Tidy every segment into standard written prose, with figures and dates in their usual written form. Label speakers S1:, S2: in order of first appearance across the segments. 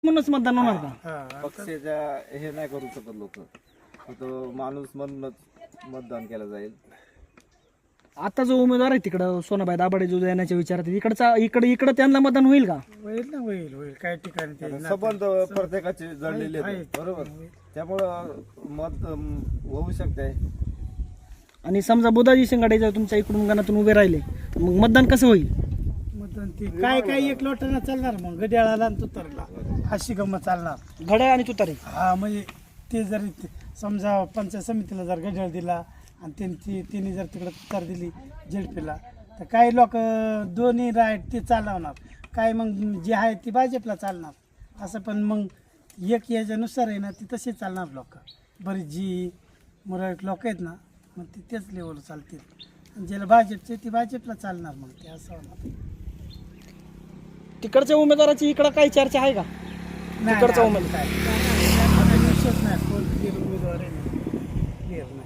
S1: म्हणूनच मतदान होणार का?
S2: हा
S3: पक्षाच्या हे नाही करू शकत लोक, तो माणूस म्हणूनच मतदान केलं जाईल.
S1: आता जो उमेदवार आहे तिकडं सोनाबाई दाभाडे जो येण्याच्या विचारात इकडे त्यांना मतदान होईल का?
S2: होईल ना, होईल काही ठिकाणी ते
S3: संबंध प्रत्येकाचे जळलेले आहेत बरोबर, त्यामुळं मत होऊ शकते.
S1: आणि समजा बुधाजी शिंगाडे जर तुमच्या इकडून गणातून उभे राहिले तर मग मतदान कसं होईल?
S2: मतदान ते काय एक लोटांना चालणार, मग गड्याळाला आणि तुतारला अशी गंमत चालणार.
S1: घड्याळ आणि तुतारी.
S2: हा म्हणजे ते जर समजा पंचायत समितीला जर गड्याळ दिला आणि तिने जर तिकडे तुतार दिली झेडपीला, तर काही लोक दोन्ही राईट ते चालवणार, काय मग जे आहे ती भाजपला चालणार असं. पण मग एक याच्यानुसार आहे ना, ती तसे चालणार लोक. बरीच जी मराठी लोक आहेत ना, मग ती तेच लेवल चालतील, आणि ज्याला भाजपचे ती भाजपला चालणार, मग ते असं होणार.
S1: तिकडच्या उमेदवाराची इकडं काही चर्चा आहे का? तिकडचा उमेदवार
S2: विषयच नाही, कोण क्लिअर उमेदवार आहे क्लिअर नाही.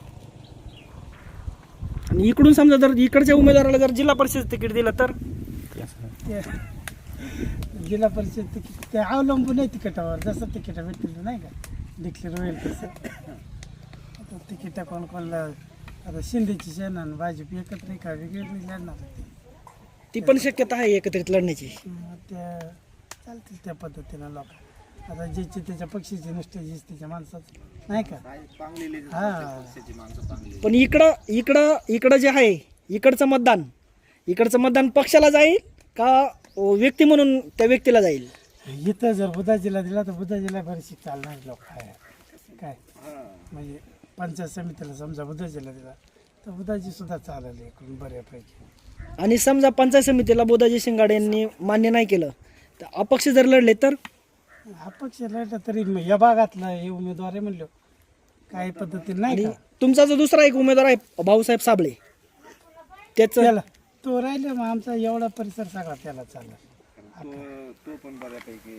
S1: आणि इकडून समजा जर इकडच्या उमेदवाराला जर जिल्हा परिषद तिकीट दिलं तर
S2: ते जिल्हा परिषद तिकीट ते अवलंबून आहे तिकिटावर, जसं तिकीट भेटतील नाही का, डिक्लेअर होईल तसं. आता तिकीट कोणला आता शिंदेची सेना आणि भाजप एकत्र का वेगवेगळी लढणार
S1: ती पण शक्यता आहे एकत्रित लढण्याची.
S2: त्या चालतील त्या पद्धतीनं लोक. आता ज्याची त्याच्या पक्षाची नुसते त्याच्या माणसाचं नाही का. हा
S1: पण इकडं जे आहे इकडचं मतदान पक्षाला जाईल का व्यक्ती म्हणून त्या व्यक्तीला जाईल?
S2: इथं जर बुधाजीला दिला तर बुधाजीला बरीचशी चालणार लोक आहे काय. म्हणजे पंचायत समितीला समजा बुधाजीला दिला तर बुधाजी सुद्धा चालेल इकडून बऱ्यापैकी.
S1: आणि समजा पंचायत समितीला बुधाजी शिंगाडे यांनी मान्य नाही केलं तर अपक्ष जर लढले तर?
S2: अपक्ष लढला तरी या भागातला हे उमेदवार आहे म्हणलो काही पद्धतीने नाही का.
S1: तुमचा जो दुसरा एक उमेदवार आहे भाऊसाहेब साबळे
S2: त्याला तो राहिले, मग आमचा एवढा परिसर सगळा त्याला चालेल.
S3: तो पण बऱ्यापैकी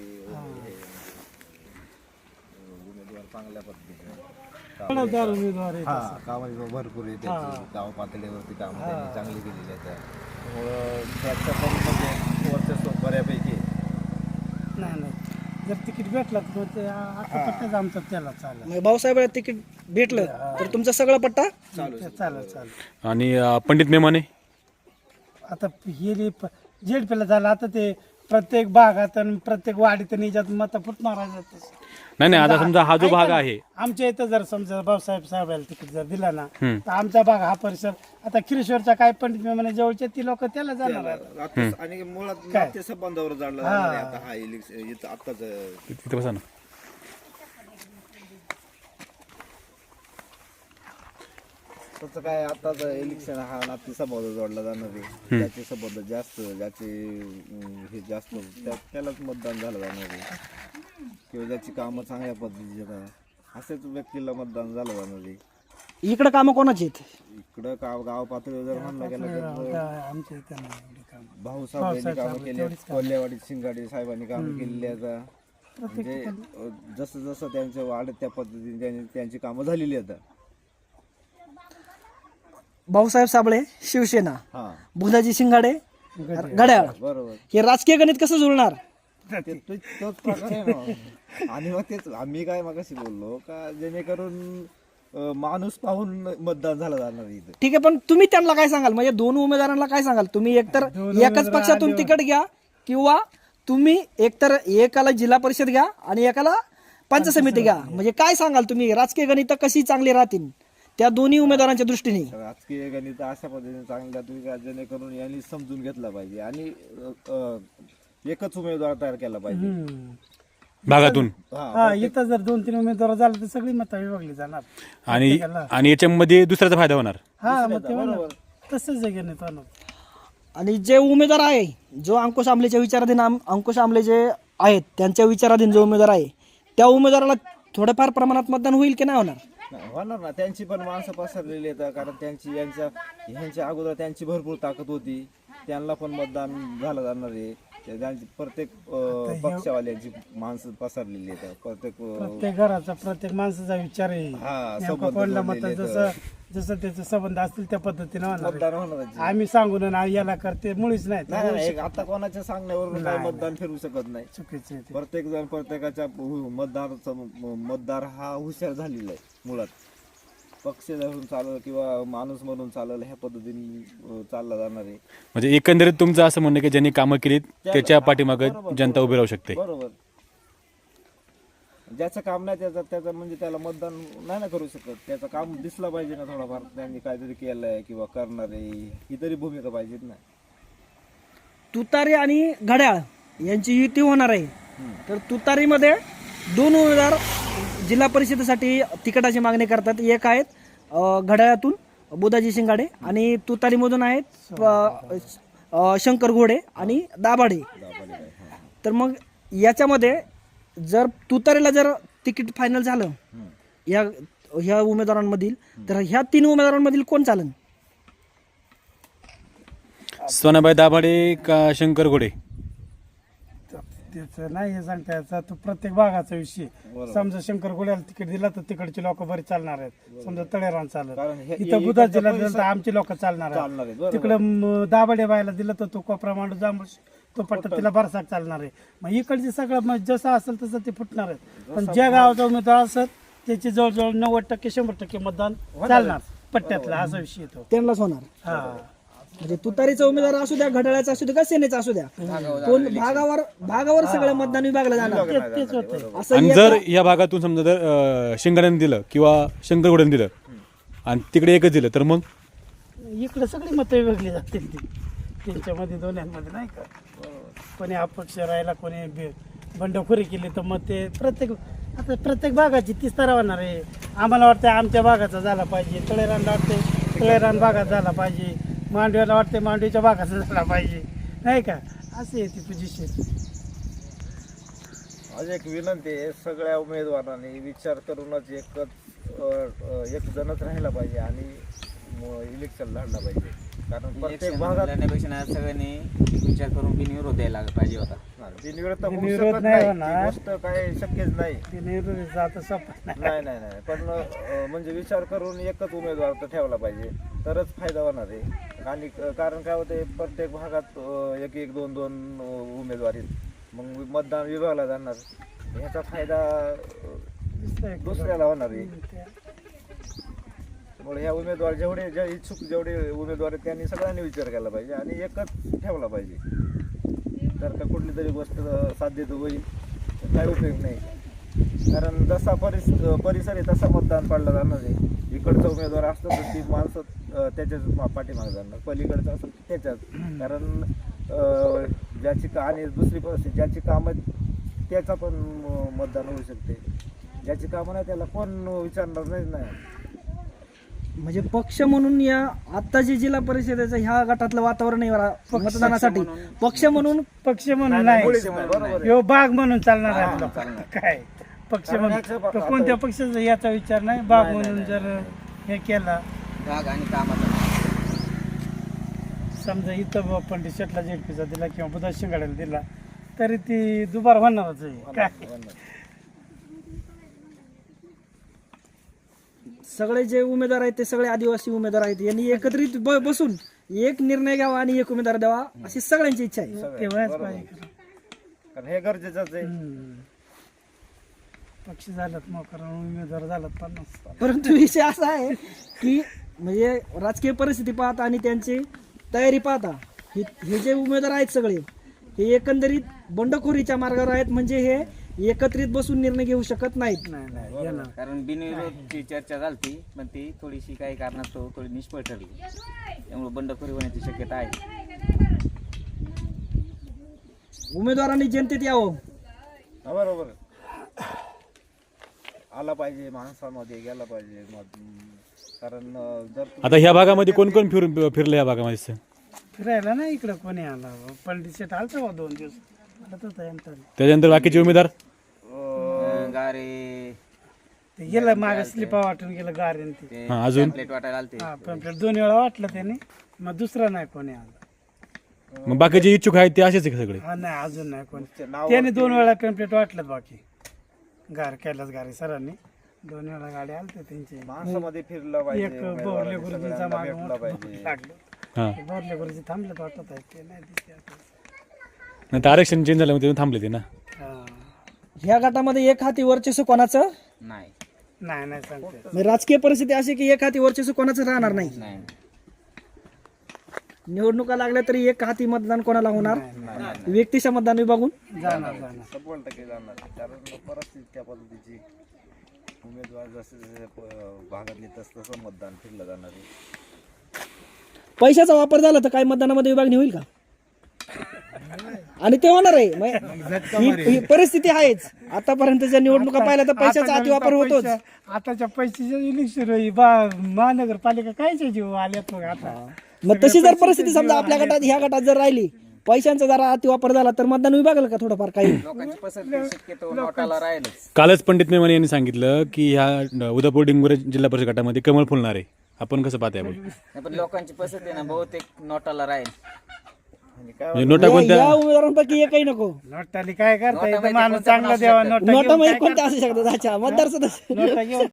S3: उमेदवार चांगल्या पद्धतीने
S2: उमेदवार आहे तसा.
S3: कामाची भरपूर आहे त्याची, गाव पातळीवरती काम त्यांनी चांगली केलेली आहे. त्यामुळं त्याचं पण म्हणजे वर्चस्व बऱ्यापैकी
S2: नाही जर तिकीट भेटलं तर मग ते आता पट्टाच आमचा त्याला चालेल.
S1: म्हणजे भाऊसाहेब तिकीट भेटलं तर तुमचा सगळा पट्टा
S2: चालेल.
S4: आणि पंडित मेमाने
S2: आता हे झेडपीला झालं, आता ते प्रत्येक भागात आणि प्रत्येक वाडीत निजात मत फुटणार आहे.
S4: नाही आता समजा हा जो भाग आहे
S2: आमच्या इथं जर समजा भाऊसाहेब साहेबाला तिकीट जर दिला ना तर आमचा भाग हा परिसर आता खिरेश्वरचा काय पंडित मेमाने जवळचे ती लोक त्याला जाणार आहेत.
S3: आणि मुळात नाते संबंधावर जाणलं जाणार आहे आता हा इलेक्शन आताच.
S4: तिथे बसा ना.
S3: तसं काय आताच इलेक्शन हा नाते संबंध जोडला जाणार आहे. ज्याचे संबंध जास्त, ज्याचे हे जास्त त्यालाच मतदान झालं जाणार आहे, किंवा ज्याची कामं चांगल्या पद्धतीचे असेच व्यक्तीला मतदान झालं जाणार आहे.
S1: इकडे कामं कोणाची आहेत?
S3: इकडं गाव पातळीवर जर म्हणलं गेलं तर
S2: आमच्या इथं नाही एवढी कामं.
S3: भाऊसाहेबांनी कामं केली, कोल्हेवाडी शिंगाडे साहेबांनी कामं केलेली आता. म्हणजे जसं जसं त्यांचं वाढत त्या पद्धतीने त्यांची कामं झालेली आता.
S1: भाऊसाहेब साबळे शिवसेना,
S3: हा
S1: बुधाजी शिंगाडे घड्याळ,
S3: बरोबर.
S1: हे राजकीय गणित कसं जुळणार?
S3: तोच प्रकार आहे ना. आणि मग तेच आम्ही काय मगाशी बोललो का जेणेकरून माणूस पाहून मतदान झालं जाणार इथं.
S1: ठीक आहे, पण तुम्ही त्यांना काय सांगाल? म्हणजे दोन उमेदवारांना काय सांगाल? तुम्ही एकतर एकाच पक्षातून तिकीट घ्या किंवा तुम्ही एकतर एकाला जिल्हा परिषद घ्या आणि एकाला पंचायत समिती घ्या. म्हणजे काय सांगाल तुम्ही? राजकीय गणित कशी चांगली राहतील त्या दोन्ही उमेदवारांच्या दृष्टीने?
S3: राजकीय गणित अशा पद्धतीने चांगल्या तुम्ही जेणेकरून यांनी समजून घेतला पाहिजे आणि एकच उमेदवार तयार केला पाहिजे
S4: भागातून.
S2: हा इथं जर 2-3 उमेदवार झाले तर सगळी मतं विभागली जाणार.
S4: आणि याच्यामध्ये दुसऱ्याचा फायदा होणार.
S2: हा मग ते होणार. तसंच आहे गणित होणार.
S1: आणि जे उमेदवार आहे, जो अंकुश आमलेच्या विचाराधीन अंकुश आमले जे आहेत त्यांच्या विचाराधीन जो उमेदवार आहे त्या उमेदवाराला थोडंफार प्रमाणात मतदान होईल की नाही होणार?
S3: होणार ना. त्यांची पण माणसं पसरलेली आहेत, कारण त्यांची यांच्या अगोदर त्यांची भरपूर ताकद होती, त्यांना पण मतदान झालं जाणार आहे. त्यांची प्रत्येक पक्षवाल्यांची माणसं पसरलेली आहेत प्रत्येक
S2: प्रत्येक घराचा प्रत्येक माणसाचा विचार आहे
S3: हा,
S2: नेमकं
S3: संबंध
S2: कोणला मत
S3: जोडलेले
S2: जसं जसं त्याचे संबंध असतील त्या पद्धतीने होणार
S3: मतदान
S2: आहे.
S3: होणारच.
S2: आम्ही सांगून ना याला करते मुळीच नाही
S3: नाही नाही, एक आता कोणाच्या सांगण्यावरून काही मतदान फिरू शकत नाही.
S2: चुकीचं आहे ते.
S3: प्रत्येक जण प्रत्येकाच्या मतदार हा हुशार झालेला आहे मुळात. पक्ष धरून चालल किंवा माणूस म्हणून चालल ह्या पद्धतीने चालला जाणार आहे.
S4: म्हणजे एकंदरीत तुमचं असं म्हणणं की ज्यांनी कामं केली त्याच्या पाठीमागे जनता उभी राहू शकते.
S3: बरोबर. ज्याचं काम नाही त्याचं म्हणजे त्याला मतदान नाही ना करू शकत. त्याचं काम दिसलं पाहिजे ना थोडाफार, त्यांनी काहीतरी केलंय किंवा करणार आहे ही तरी भूमिका पाहिजेत ना.
S1: तुतारी आणि घड्याळ यांची युती होणार आहे. तर तुतारीमध्ये 2 उमेदवार जिल्हा परिषदेसाठी तिकिटाची मागणी करतात. एक आहेत घड्याळातून बुधाजी शिंगाडे आणि तुतारीमधून आहेत शंकर घोडे आणि दाभाडे. तर मग याच्यामध्ये जर तुतारीला जर तिकीट फायनल झालं ह्या उमेदवारांमधील, तर ह्या 3 उमेदवारांमधील कोण चालेल?
S4: सोनाबाई दाभाडे का शंकर घोडे?
S2: त्याचं नाही हे सांगता याचा तो प्रत्येक भागाचा विषय. समजा शंकर गोळ्याला तिकीट दिला तर तिकडचे लोक बरे चालणार आहेत. समजा तळेरान
S3: कारण
S2: चालत,
S3: हे-
S2: इथं बुधाजीला दिलं तर आमचे लोक चालणार
S3: चालणार आहेत,
S2: आहेत.
S3: बरोबर.
S2: तिकडं दाभाडे बायला दिलं तर तो कोपरा मांडू जांभूळ तो पट्टा तिला बरसाक चालणार आहे. मग इकडचे सगळं मग जसं असेल तसं ते फुटणार आहेत. पण ज्या गावाचा उमेदवार असेल त्याची जवळजवळ 90% 100% मतदान चालणार पट्ट्यातला, असा विषय येतो.
S1: त्यांनाच होणार.
S2: हा
S1: म्हणजे तुतारीचा उमेदवार असू द्या, घड्याळाचा असू द्या, का सेनेचा असू द्या, कोण भागावर सगळं मतदान विभागलं जाणार
S2: तेच होतं.
S1: असं
S4: आणि जर या भागातून समजा जर शिंगाड्याने दिलं किंवा शंकर घोड्याने दिलं आणि तिकडे एकच दिलं तर मग
S2: इकडे सगळी मतं विभागली जातील ती त्यांच्यामध्ये दोन्यांमध्ये, नाही का. कोणी अपक्ष राहिला, कोणी बंडखोरी केली तर मग ते प्रत्येक भागाची 30 तर होणार आहे. आम्हाला वाटतं आमच्या भागाचा झाला पाहिजे, तळेरानला वाटते तळेरान भागात झाला पाहिजे, मांडव्याला वाटते मांडवीच्या भागाचा झाला पाहिजे, नाही का. अशी आहे ती पोझिशन.
S3: आज एक विनंती आहे, सगळ्या उमेदवारांनी विचार करूनच एक जणच राहिला पाहिजे आणि इलेक्शन लढला पाहिजे. कारण प्रत्येक भागात
S5: लढण्यापेक्षा सगळ्यांनी विचार करून बिनविरोध द्यायला पाहिजे होता.
S3: बिनविरोध तर होऊ
S2: बिनविरोध
S3: शकत
S2: नाही
S3: नाही.
S2: होणार.
S3: ती गोष्ट काय शक्यच नाही.
S2: ते नेहरू जात सोपं नाही.
S3: नाही नाही नाही पण म्हणजे विचार करून एकच उमेदवार तर ठेवला पाहिजे तरच फायदा होणार आहे. आणि कारण काय होते प्रत्येक भागात 1-1, 2-2 उमेदवार आहेत. मग मतदान विभागला जाणार, ह्याचा फायदा दुसऱ्याला होणार आहे. त्यामुळे ह्या उमेदवार जे इच्छुक जेवढे उमेदवार आहेत त्यांनी सगळ्यांनी विचार केला पाहिजे आणि एकच ठेवला पाहिजे. तर का कुठली तरी गोष्ट साध्य होईल तर काय उपयोग नाही. कारण जसा परिसर आहे तसा मतदान पाडलं जाणार आहे. इकडचा उमेदवार असतं तर ती माणसं त्याच्याच पाठीमागे जाणार, पलीकडचं असं त्याच्याच. कारण ज्याची आणि दुसरी परिस्थिती ज्याची कामं त्याचा पण मतदान होऊ शकते. ज्याची कामं नाही त्याला कोण विचारणार नाही.
S1: म्हणजे पक्ष म्हणून या आता जे जिल्हा परिषदेचं ह्या गटातलं वातावरण आहे मतदानासाठी, पक्ष म्हणून
S2: नाही,
S3: बरोबर
S2: ह्यो बाग म्हणून चालणार आहे आपला. काय पक्ष म्हणून तर कोणत्या पक्षाचा याचा विचार नाही. बाग म्हणून जर हे केला,
S5: भाग आणि कामाचा
S2: समजा इथं पंडित शेटला जेडपीचा दिला किंवा बुधा शिंगाड्याला दिला तरी ती दुबार होणारच आहे. काय
S1: सगळे जे उमेदवार आहेत ते सगळे आदिवासी उमेदवार आहेत. यांनी एकत्रित बसून एक निर्णय घ्यावा आणि एक उमेदवार द्यावा अशी सगळ्यांची इच्छा आहे.
S2: ते व्हायच पाहिजे.
S3: कारण हे गरजेचंच आहे.
S2: पक्ष झालात मोकर, उमेदवार झालात 50.
S1: परंतु विषय असा आहे की म्हणजे राजकीय परिस्थिती पाहता आणि त्यांची तयारी पाहता हे जे उमेदवार आहेत सगळे हे एकंदरीत बंडखोरीच्या मार्गावर आहेत. म्हणजे हे एकत्रित बसून निर्णय घेऊ शकत नाहीत.
S2: नाही येणार.
S5: कारण बिनविरोधची चर्चा झाली पण ती थोडीशी काही कारणास्तव थोडी निष्फळ ठरली. त्यामुळे बंडखोरी होण्याची शक्यता आहे.
S1: उमेदवारांनी जनतेत यावं.
S3: बरोबर आला पाहिजे, माणसामध्ये गेला पाहिजे. कारण जर
S4: आता ह्या भागामध्ये कोण कोण फिरलं या भागामध्ये?
S2: फिरायला नाही इकडं कोणी आला. पंडित शेट आलता 2 दिवस आला होता यांचा.
S4: त्याच्यानंतर बाकीचे उमेदवार
S5: गारे
S2: ते गेलं मागे स्लिपा वाटून गेलं गारेन ते.
S4: अजून
S5: प्लेट वाटायला आलते.
S2: हा पॅम्पलेट 2 वेळा वाटलं त्याने, मग दुसरा नाही कोणी आला.
S4: मग बाकी जे इच्छुक आहेत ते असेच आहे का सगळे?
S2: हा नाही अजून नाही कोण
S3: नाव
S2: त्याने 2 वेळा कंप्लीट वाटलं बाकी कैलास गारे सरांनी 2 वेळा गाडी आलते त्यांची
S3: माणसामध्ये फिरलं पाहिजे,
S2: एक बोरले
S3: उमेदवारांनी
S2: गुरुजींचा
S3: सगळ्यांना
S2: माग
S3: भेटलं पाहिजे.
S2: लागलं
S4: हां,
S2: बोरले गुरुजी थांबलेत वाटत आहे ते नाही दिसते आता.
S4: नाही तर आरक्षण चेंज झालं म्हणून थांबले ते ना.
S2: हा.
S1: ह्या गटामध्ये एक हाती वर्चस्व कोणाचं
S5: नाही
S2: नाही सांगते
S1: म्हणजे राजकीय परिस्थिती अशी की एक हाती वर्चस्व कोणाचं राहणार नाही.
S5: नाही
S1: निवडणुका लागल्या तरी एक हाती मतदान कोणाला होणार, व्यक्तीच्या मतदान विभागून
S2: जाणार
S3: 100% जाणार, कारण परिस्थिती त्या पद्धतीची, उमेदवार जसे जसे भागातले तसं मतदान फिरलं जाणार आहे.
S1: पैशाचा वापर झाला तर काय मतदानामध्ये विभागणी होईल का? आणि ते होणार आहे. ही परिस्थिती आहेच. आतापर्यंतच्या निवडणुका पाहिल्या तर पैशाचा अतिवापर होतोच.
S2: आताच्या पैशाच्या इलेक्शन महानगरपालिका कायच्या जीव आल्यात मग आता
S1: मग तशी जर परिस्थिती समजा आपल्या गटात ह्या गटात जर राहिली, पैशांचा जरा अतिवापर झाला तर मतदान विभागाला का थोडंफार काही?
S5: लोकांची पसंती शक्यतो नोटाला राहीलच.
S4: कालच पंडित मेवानी यांनी सांगितलं की ह्या उदापूर डिंगोरे जिल्हा परिषद गटामध्ये कमळ फुलणार आहे. आपण कसं पाहताय आपण?
S5: नाही, पण लोकांची पसंती आहे ना बहुतेक नोटाला राहील.
S4: म्हणजे नोटा कोणत्या?
S1: या उमेदवारांपैकी एकही नको.
S2: नोटाली काय करता
S5: नोटामध्ये
S2: माणूस
S5: कोणत्या
S2: चांगला
S5: पण
S2: द्यावा
S5: असू
S2: नोटा
S1: नोटामध्ये कोणत्या असू शकतात? अच्छा, मतदार सदस्य
S2: नोटा घेऊन